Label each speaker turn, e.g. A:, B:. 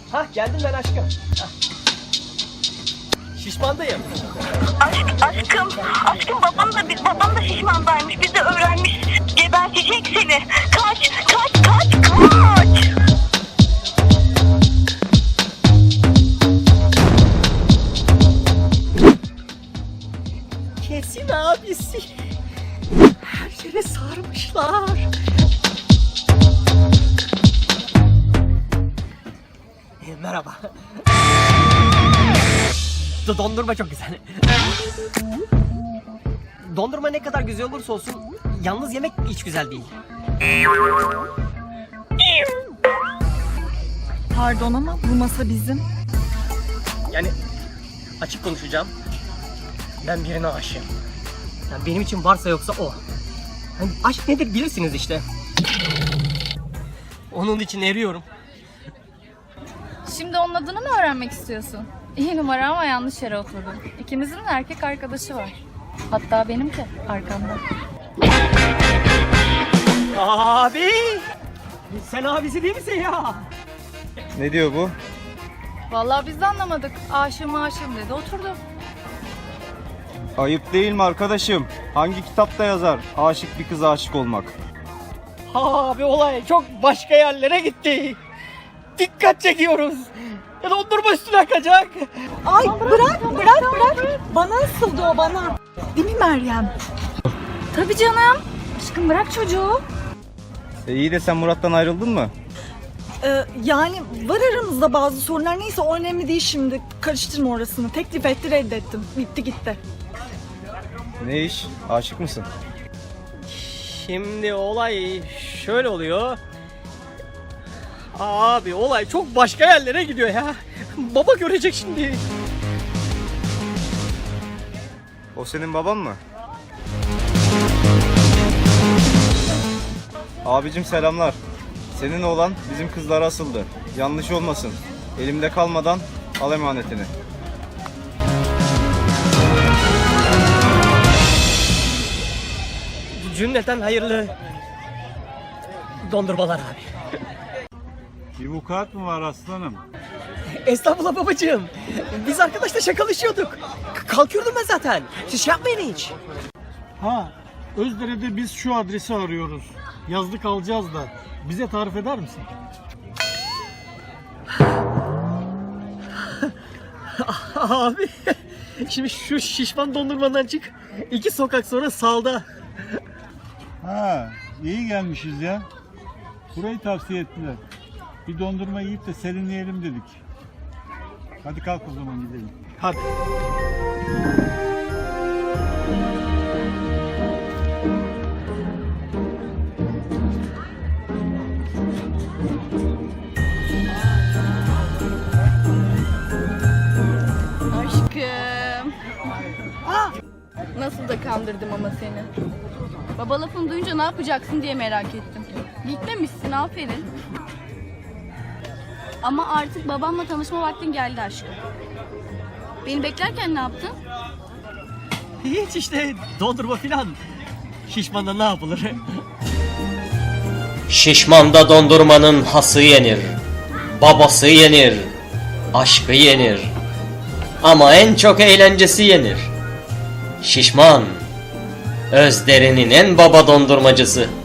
A: Hah geldim ben aşkım. Hah. Şişmandayım.
B: Aşkım babam da şişmandaymış. Bizi öğrenmiş. Gebertecek seni. Kaç.
A: Kesin abisi. Her yere sarmışlar. Merhaba. Dondurma çok güzel. Dondurma ne kadar güzel olursa olsun yalnız yemek hiç güzel değil.
C: Pardon ama bu masa bizim.
A: Yani açık konuşacağım. Ben birine aşığım. Yani benim için varsa yoksa o. Yani aşk nedir bilirsiniz işte. Onun için eriyorum.
D: Şimdi onun adını mı öğrenmek istiyorsun? İyi numara ama yanlış yere oturdun. İkimizin de erkek arkadaşı var. Hatta benim de arkamda.
A: Abi! Sen abisi değil misin ya?
E: Ne diyor bu?
D: Vallahi biz de anlamadık. Aşığım dedi oturdu.
E: Ayıp değil mi arkadaşım? Hangi kitapta yazar aşık bir kıza aşık olmak?
A: Abi olay çok başka yerlere gitti. Dikkat çekiyoruz. Ya dondurma üstüne akacak.
C: Ay bırak. Bana ısıldı o bana. Değil mi Meryem?
D: Tabii canım. Aşkım bırak çocuğu.
E: İyi de sen Murat'tan ayrıldın mı?
C: Yani var aramızda bazı sorunlar. Neyse o önemli değil şimdi. Karıştırma orasını. Teklif etti reddettim. Bitti gitti.
E: Ne iş? Aşık mısın?
A: Şimdi olay şöyle oluyor. Abi olay çok başka yerlere gidiyor ya. Baba görecek şimdi.
E: O senin baban mı? Abicim selamlar. Senin oğlan bizim kızlara asıldı. Yanlış olmasın. Elimde kalmadan al emanetini.
A: Cümleten hayırlı dondurmalar abi.
F: Bir vukuat mı var aslanım?
A: Estağfurullah babacığım. Biz arkadaşla şakalaşıyorduk. Kalkıyordum ben zaten. Siz şey yapmayın hiç.
F: Ha, Özdere'de biz şu adresi arıyoruz. Yazlık alacağız da. Bize tarif eder misin?
A: Abi şimdi şu şişman dondurmadan çık. 2 sokak sonra sağda.
F: Ha, iyi gelmişiz ya. Burayı tavsiye ettiler. Bir dondurma yiyip de serinleyelim dedik. Hadi kalk o zaman gidelim.
A: Hadi.
D: Aşkım. Nasıl da kandırdım ama seni. Baba lafını duyunca ne yapacaksın diye merak ettim. Gitmemişsin aferin. Ama artık babamla tanışma vaktin geldi aşkım. Beni beklerken ne yaptın?
A: Hiç işte dondurma filan. Şişmanda ne yapılır?
G: Şişmanda dondurmanın hası yenir, babası yenir, aşkı yenir. Ama en çok eğlencesi yenir. Şişman, Özdere'nin en baba dondurmacısı.